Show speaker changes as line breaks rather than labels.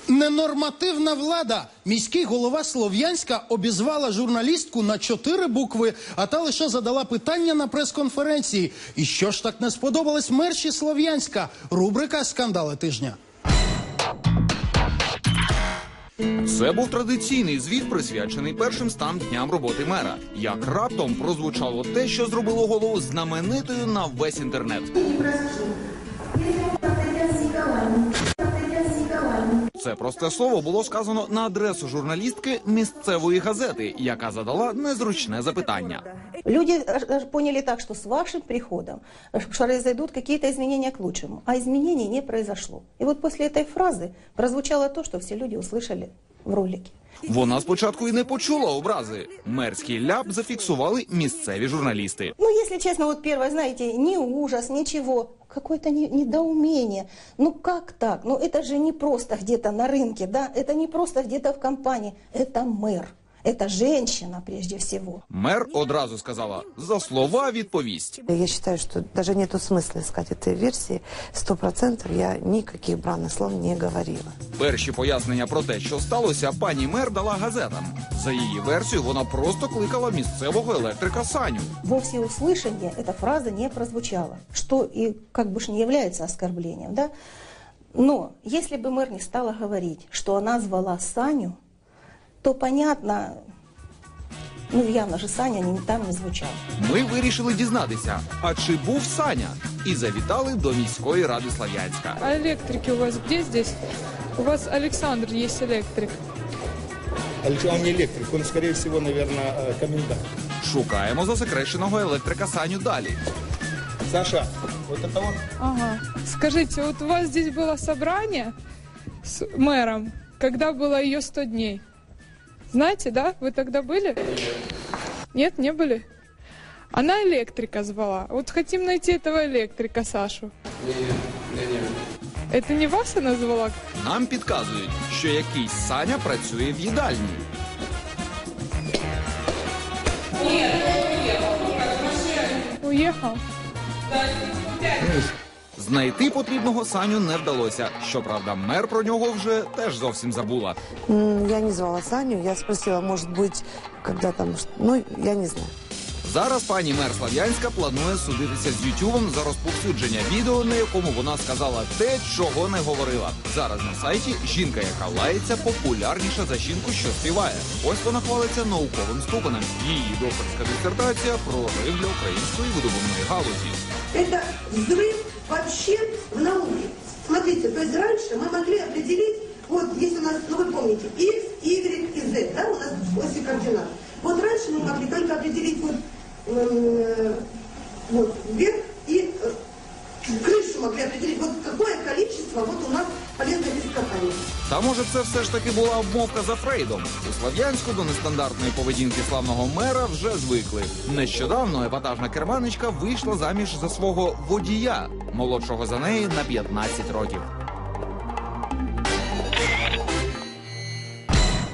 Ненормативна влада. Міський голова Слов'янська обізвала журналістку на 4 букви, а та лише задала питання на прес-конференції. І що ж так не сподобалось мерші Слов'янська? Рубрика «Скандали тижня».
Це був традиційний звіт, присвячений першим 100 дням роботи мера. Як раптом прозвучало те, що зробило голову знаменитою на весь інтернет. Це просте слово було сказано на адресу журналістки місцевої газети, яка задала незручне запитання.
Люди поняли так, что с вашим приходом произойдут какие-то изменения к лучшему, а изменений не произошло. И вот после этой фразы прозвучало то, что все люди услышали в ролике.
Вона спочатку і не почула образи. Мерський ляп зафіксували місцеві журналісти.
Ну, если честно, вот первое, знаете, ни ужас, ничего, какое-то недоумение. Ну, как так? Ну, это же не просто где-то на рынке, да? Это не просто где-то в компании. Это мэр. Это женщина, прежде всего.
Мер одразу сказала, за слова відповість.
Я считаю, что даже нету смысла искать этой версии. 100% я никаких бранных слов не говорила.
Перші пояснення про те, що сталося, пані мер дала газетам. За її версією, вона просто кликала місцевого електрика Саню.
Во всеуслышание эта фраза не прозвучала, что и как бы ж не является оскорблением, да? Но если бы мэр не стала говорить, что она звала Саню, то понятно, ну явно же Саня там не звучав.
Ми вирішили дізнатися, а чи був Саня? І завітали до міської ради Слов'янська.
А электрики у вас где здесь? У вас Александр есть электрик.
Он не электрик, он, скорее всего, наверное, комендант.
Шукаємо засекреченого електрика Саню далі.
Саша, вот это он?
Ага. Скажите, вот у вас здесь было собрание с мэром, когда было ее 100 дней? Знаете, да? Вы тогда были? Нет, не были? Она электрика звала. Вот хотим найти этого электрика, Сашу. Это не вас она звала?
Нам підказують, що якийсь Саня працює в їдальні.
Уехал?
Знайти потрібного Саню не вдалося. Щоправда, мер про нього вже теж зовсім забула.
Я не звала Саню, я спросила, может быть, когда там, ну, я не знаю.
Зараз пані мер Слов'янська планує судитися з Ютубом за розповсюдження відео, на якому вона сказала те, чого не говорила. Зараз на сайті жінка, яка лається, популярніша за жінку, що співає. Ось вона хвалиться науковим ступенем. Її докторська дисертація про прорив для української видобувної галузі.
Это взрыв вообще в науке. Смотрите, то есть раньше мы могли определить, вот если у нас, ну вы помните, X, Y и Z, да, у нас оси координат. Вот раньше мы могли только определить вот вверх и крышу могли определить, вот какое количество вот у нас полезных ископаемых.
Та може це все ж таки була обмовка за Фрейдом? У Слов'янську до нестандартної поведінки славного мера вже звикли. Нещодавно епатажна керманичка вийшла заміж за свого водія, молодшого за неї на 15 років.